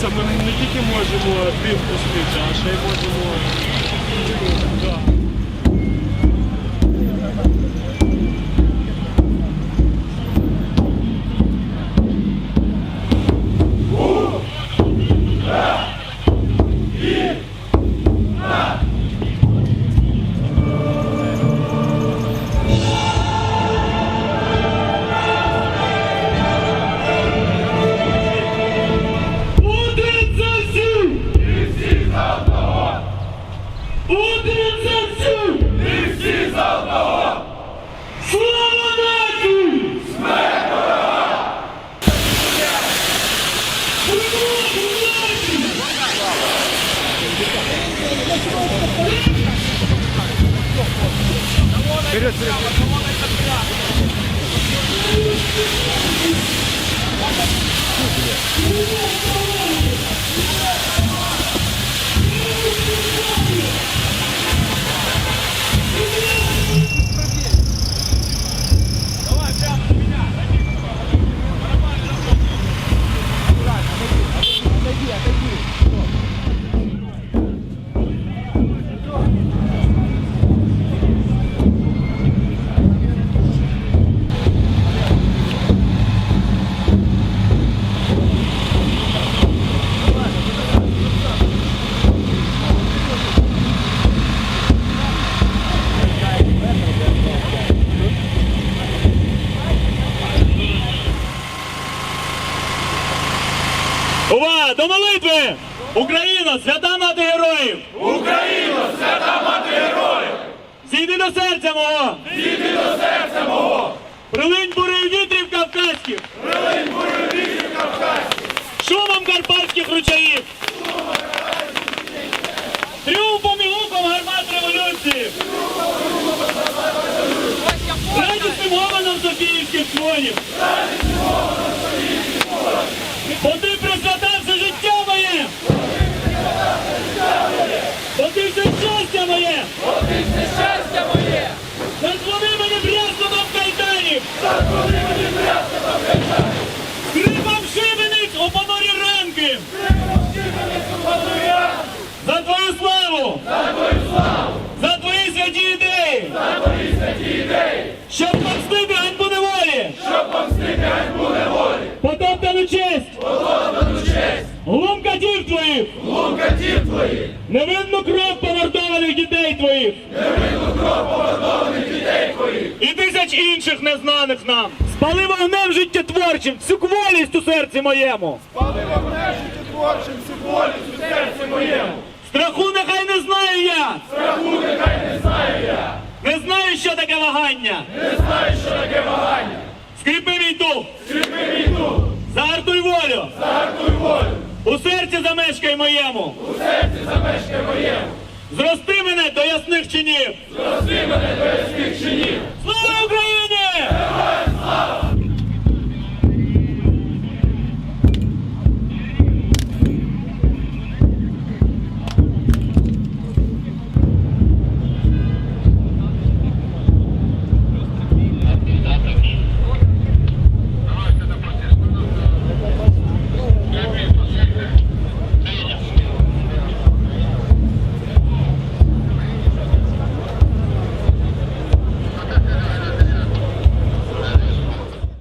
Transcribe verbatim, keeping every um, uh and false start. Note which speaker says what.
Speaker 1: дивіться, ми не тільки можемо дим пустити, а ще й можемо... Да.
Speaker 2: Вперед, вперед!
Speaker 3: Увага! До молитви! Україно, свята мати героїв!
Speaker 4: Україно, свята мати героїв!
Speaker 3: Зійди до серця мого!
Speaker 4: Зійди до серця мого!
Speaker 3: Прилинь бурею вітрів кавказьких!
Speaker 4: Прилинь бурею вітрів кавказьких!
Speaker 3: Шумом карпатських ручаїв! Тріумфом і гуком гармат революції! Радісним гомоном софіївських дзвонів! Бо ти присвятав все життя моє! Бо ти все щастя моє!
Speaker 4: Бо ти все щастя моє!
Speaker 3: Задзвони мені брязкотом кайданів!
Speaker 4: Задзвони мені брязкотом кайданів!
Speaker 3: Скрипом шибениць у понурі ранки!
Speaker 4: Скрипом шибениць у понурі ранки!
Speaker 3: За твою славу!
Speaker 4: За твою славу!
Speaker 3: За твої святі ідеї!
Speaker 4: За твої святі ідеї!
Speaker 3: Щоб помстити ганьбу неволі!
Speaker 4: Щоб помстити ганьбу неволі!
Speaker 3: Потоптану честь!
Speaker 4: Потоптану честь!
Speaker 3: Глум катів твоїх!
Speaker 4: Глум катів твоїх!
Speaker 3: Невинну кров помордованих дітей твоїх!
Speaker 4: Невинну кров помордованих дітей твоїх!
Speaker 3: І тисяч інших незнаних нам! Спали вогнем життєтворчим всю кволість у серці моєму!
Speaker 4: Спали вогнем життєтворчим всю болість у серці моєму!
Speaker 3: Страху нехай не знаю я!
Speaker 4: Страху нехай не знаю я!
Speaker 3: Не знаю, що таке вагання!
Speaker 4: Не знаю, що таке вагання!
Speaker 3: Скріпи мій дух!
Speaker 4: Скріпи мій дух!
Speaker 3: Загартуй волю!
Speaker 4: Загартуй волю!
Speaker 3: У серці замешкай моєму!
Speaker 4: У серці замешкай моєму!
Speaker 3: Зрости мене до ясних чинів!
Speaker 4: Зрости мене до ясних чинів!
Speaker 3: Слава Україні!